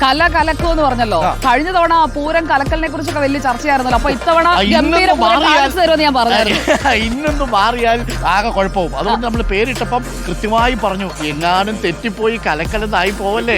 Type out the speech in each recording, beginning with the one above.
കലക്കൂ എന്ന് പറഞ്ഞല്ലോ. കഴിഞ്ഞ തവണ പൂരം കലക്കലിനെ കുറിച്ചൊക്കെ വലിയ ചർച്ചയായിരുന്നല്ലോ. അപ്പൊ ഇത്തവണ ഗംഭീര തരുമെന്ന് ഞാൻ പറഞ്ഞായിരുന്നു. ഇന്നൊന്നും മാറിയാൽ ആകെ കുഴപ്പവും. അതുകൊണ്ട് നമ്മൾ പേരിട്ടപ്പം കൃത്യമായി പറഞ്ഞു, എങ്ങാനും തെറ്റിപ്പോയി കലക്കലെന്നായി പോവല്ലേ.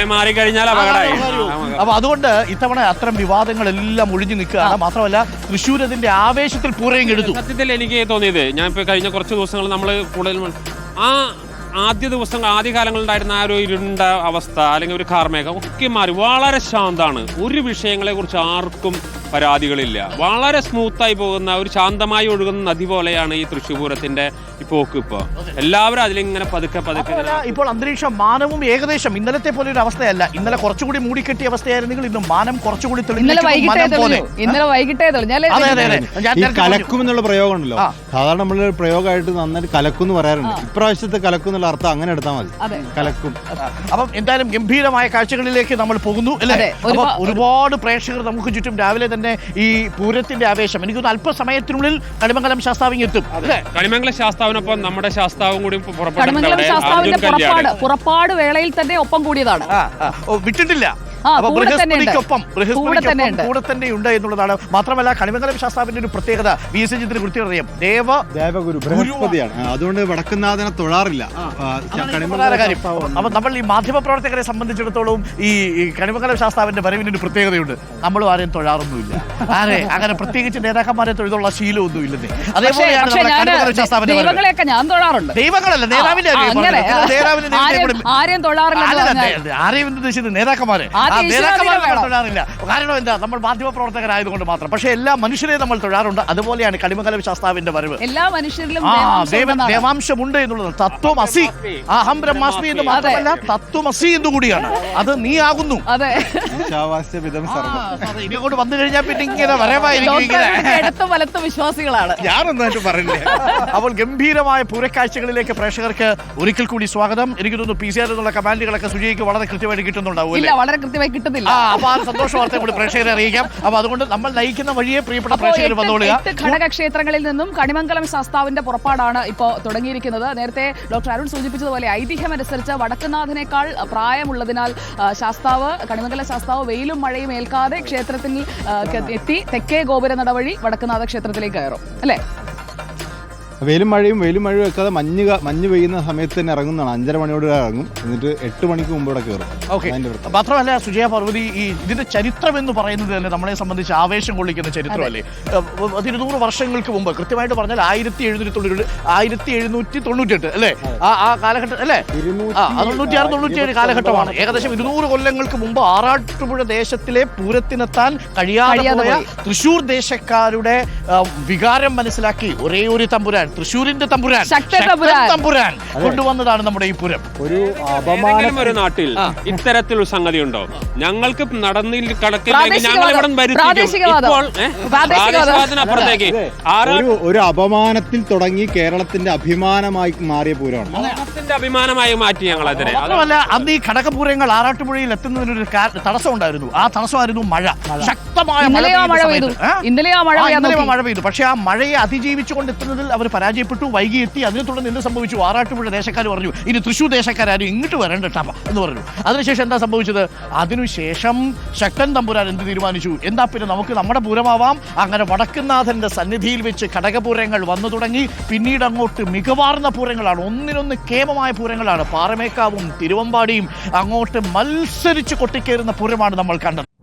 അപ്പൊ അതുകൊണ്ട് ഇത്തവണ അത്തരം വിവാദങ്ങളെല്ലാം ഒഴിഞ്ഞു നിൽക്കുകയാണ്. മാത്രമല്ല തൃശ്ശൂർ അതിന്റെ ആവേശത്തിൽ പൂരം എടുത്തു. സത്യത്തിൽ എനിക്ക് തോന്നിയത്, ഞാൻ ഇപ്പൊ കഴിഞ്ഞ കുറച്ച് ദിവസങ്ങൾ നമ്മൾ കൂടുതൽ ആദ്യകാലങ്ങളുണ്ടായിരുന്ന ആ ഒരു ഇരുണ്ട അവസ്ഥ അല്ലെങ്കിൽ ഒരു കാർമേഘം ഒക്കെ മാറി വളരെ ശാന്തമാണ്. ഒരു വിഷയങ്ങളെ കുറിച്ച് ആർക്കും പരാതികളില്ല. വളരെ സ്മൂത്തായി പോകുന്ന ഒരു ശാന്തമായി ഒഴുകുന്ന നദി പോലെയാണ് ഈ തൃശ്ശൂർ പൂരത്തിന്റെ പോക്ക്. ഇപ്പൊ എല്ലാവരും അതിലിങ്ങനെ പതുക്കെ ഇപ്പോൾ അന്തരീക്ഷം മാനവും ഏകദേശം ഇന്നലത്തെ പോലെ ഒരു അവസ്ഥയല്ല. ഇന്നലെ കുറച്ചുകൂടി മൂടിക്കെട്ടിയ അവസ്ഥയായിരുന്നെങ്കിൽ ഇന്ന് മാനം കുറച്ചുകൂടി ഇന്നലെ വൈകിട്ടേ കലക്കും എന്നുള്ള പ്രയോഗം ഉണ്ടല്ലോ. സാധാരണ നമ്മൾ പ്രയോഗമായിട്ട് നന്നായിട്ട് കലക്കും എന്ന് പറയാറുണ്ട്. ഇപ്രാവശ്യത്തെ കലക്കും എന്നുള്ള അർത്ഥം അങ്ങനെ എടുത്താൽ മതി, കലക്കും. അപ്പം എന്തായാലും ഗംഭീരമായ കാഴ്ചകളിലേക്ക് നമ്മൾ പോകുന്നു അല്ലേ. ഒരുപാട് പ്രേക്ഷകർ നമുക്ക് ചുറ്റും രാവിലെ തന്നെ ഈ പൂരത്തിന്റെ ആവേശം എനിക്കൊന്ന് അല്പസമയത്തിനുള്ളിൽ കണിമംഗലം ശാസ്താവിങ് എത്തും. കണിമംഗലം ശാസ്താവിനൊപ്പം നമ്മുടെ ശാസ്താവും കൂടി പുറപ്പാട് വേളയിൽ തന്നെ ഒപ്പം കൂടിയതാണ്, വിട്ടിട്ടില്ല. ബൃഹസ്പതിക്കൊപ്പം കൂടെ തന്നെ ഉണ്ട് എന്നുള്ളതാണ്. മാത്രമല്ല കണിമംഗലം ശാസ്താവിന്റെ ഒരു പ്രത്യേകത VS കൃത്യം അറിയാം, ദേവഗുരു ബൃഹസ്പതിയാണ്. അതുകൊണ്ട് വടക്കുന്നാഥനെ തൊഴാറില്ല. അപ്പൊ നമ്മൾ ഈ മാധ്യമ പ്രവർത്തകരെ സംബന്ധിച്ചിടത്തോളം ഈ കണിമംഗലം ശാസ്താവിന്റെ വരവിന് ഒരു പ്രത്യേകതയുണ്ട്. നമ്മളും ആരെയും തൊഴാറൊന്നുമില്ല, അങ്ങനെ പ്രത്യേകിച്ച് നേതാക്കന്മാരെ തൊഴുതുള്ള ശീലമൊന്നും ഇല്ലെന്നേ. അതേപോലെയാണ് കണിമംഗലം ശാസ്താവിന്റെ ദൈവങ്ങളല്ല, നേതാവിന്റെ ആരെയും ഉദ്ദേശിച്ചത് നേതാക്കന്മാരെ തൊഴാറില്ല. കാരണം എന്താ, നമ്മൾ മാധ്യമ പ്രവർത്തകരായതുകൊണ്ട് മാത്രം. പക്ഷെ എല്ലാ മനുഷ്യരെയും നമ്മൾ തൊഴാറുണ്ട്. അതുപോലെയാണ് കണിമംഗലം ശാസ്താവിന്റെ വരവ്. എല്ലാ മനുഷ്യരിലും ദേവാംശമുണ്ട് എന്നുള്ളത്. തത്വമസി, അഹം ബ്രഹ്മാസ്മി എന്ന് മാത്രമല്ല തത്വമസി എന്നുകൂടിയാണ്. അത് നീ ആകുന്നു. ഇങ്ങോട്ട് വന്നു കഴിഞ്ഞാൽ പിന്നെ ഇങ്ങനെ വലത്ത് വിശ്വാസികളാണ്. ഞാനൊന്നായിട്ട് പറഞ്ഞില്ലേ. അപ്പോൾ ഗംഭീരമായ പൂരക്കാഴ്ചകളിലേക്ക് പ്രേക്ഷകർക്ക് ഒരിക്കൽ കൂടി സ്വാഗതം. എനിക്ക് തോന്നുന്നു PCR എന്നുള്ള കമാൻഡുകളൊക്കെ സുജയ്ക്ക് വളരെ കൃത്യമായിട്ട് കിട്ടുന്നുണ്ടാവും. വളരെ കൃത്യമായി കിട്ടുന്നില്ല. അപ്പൊ ആ സന്തോഷ വാർത്ത കൂടി പ്രേക്ഷകരെ അറിയിക്കാം. അപ്പൊ അതുകൊണ്ട് നമ്മൾ നയിക്കുന്ന വഴിയെ പ്രിയപ്പെട്ട പ്രേക്ഷകർ വന്നോളുക. 8 ഘടകക്ഷേത്രങ്ങളിൽ നിന്നും കണിമംഗലം ശാസ്താവിന്റെ പുറപ്പാടാണ് ഇപ്പോൾ തുടങ്ങിയിരിക്കുന്നത്. നേരത്തെ ഡോക്ടർ അരുൺ സൂചിപ്പിച്ചതുപോലെ ഐതിഹ്യമനുസരിച്ച് വടക്കുന്നാഥനേക്കാൾ പ്രായമുള്ളതിനാൽ ശാസ്താവ്, കണിമംഗലം ശാസ്താവ് വെയിലും മഴയും ഏൽക്കാതെ ക്ഷേത്രത്തിൽ എത്തി തെക്കേ ഗോപുര നടവഴി വടക്കുന്നാഥ ക്ഷേത്രത്തിലേക്ക് കയറും അല്ലേ. വെയിലും മഴയും വെക്കാതെ മഞ്ഞ് പെയ്യുന്ന സമയത്ത് തന്നെ ഇറങ്ങുന്നതാണ്. 5:30 മണിയോട് ഇറങ്ങും, എന്നിട്ട് 8 മണിക്ക് മുമ്പ് ഇവിടെ കയറും. മാത്രമല്ല സുജയ പാർവതി, ഈ ഇതിന്റെ ചരിത്രം എന്ന് പറയുന്നത് തന്നെ നമ്മളെ സംബന്ധിച്ച് ആവേശം കൊള്ളിക്കുന്ന ചരിത്രമല്ലേ. 100 വർഷങ്ങൾക്ക് മുമ്പ്, കൃത്യമായിട്ട് പറഞ്ഞാൽ 1798 അല്ലേ, ആ കാലഘട്ടം അല്ലേ, 96-97 കാലഘട്ടമാണ്. ഏകദേശം 200 കൊല്ലങ്ങൾക്ക് മുമ്പ് ആറാട്ടുപുഴ ദേശത്തിലെ പൂരത്തിനെത്താൻ കഴിയാതെ പോയ തൃശ്ശൂർ ദേശക്കാരുടെ വികാരം മനസ്സിലാക്കി ഒരേ ഒരു തമ്പുരാൻ, തൃശ്ശൂരിന്റെ തമ്പുരാൻ കൊണ്ടുവന്നതാണ് നമ്മുടെ ഈ പൂരം. ഒരു നാട്ടിൽ ഇത്തരത്തിലൊരു സംഗതി ഉണ്ടോ? ഞങ്ങൾക്ക് നടന്നിൽ അപ്പുറത്തേക്ക് ഒരു അപമാനത്തിൽ തുടങ്ങി കേരളത്തിന്റെ അഭിമാനമായി മാറിയ പൂരമാണ്. അഭിമാനമായി മാറ്റി ഞങ്ങൾ അതിനെ. അതുമല്ല, അന്ന് ഈ ഘടകപൂരങ്ങൾ ആറാട്ടുപുഴയിൽ എത്തുന്നതിനൊരു തടസ്സം ഉണ്ടായിരുന്നു. ആ തടസ്സമായിരുന്നു മഴ. ശക്തമായ മഴ പെയ്തു. പക്ഷെ ആ മഴയെ അതിജീവിച്ചുകൊണ്ട് എത്തുന്നതിൽ അവർ പരാജയപ്പെട്ടു, വൈകി എത്തി. അതിനെ തുടർന്ന് എന്ത് സംഭവിച്ചു? ആറാട്ടുപുഴ ദേശക്കാർ പറഞ്ഞു, ഇനി തൃശ്ശൂർ ദേശക്കാരും ഇങ്ങോട്ട് വരണ്ടട്ടാ എന്ന് പറഞ്ഞു. അതിനുശേഷം എന്താ സംഭവിച്ചത്? അതിനുശേഷം ശക്തൻ തമ്പുരാൻ എന്ത് തീരുമാനിച്ചു? എന്താ പിന്നെ നമുക്ക് നമ്മുടെ പൂരമാവാം. അങ്ങനെ വടക്കുന്നാഥന്റെ സന്നിധിയിൽ വെച്ച് ഘടകപൂരങ്ങൾ വന്നു തുടങ്ങി. പിന്നീട് അങ്ങോട്ട് മികവാർന്ന പൂരങ്ങളാണ്, ഒന്നിനൊന്ന് കേമമായ പൂരങ്ങളാണ്. പാറമേക്കാവും തിരുവമ്പാടിയും അങ്ങോട്ട് മത്സരിച്ച് കൊട്ടിക്കേറുന്ന പൂരമാണ് നമ്മൾ കണ്ടത്.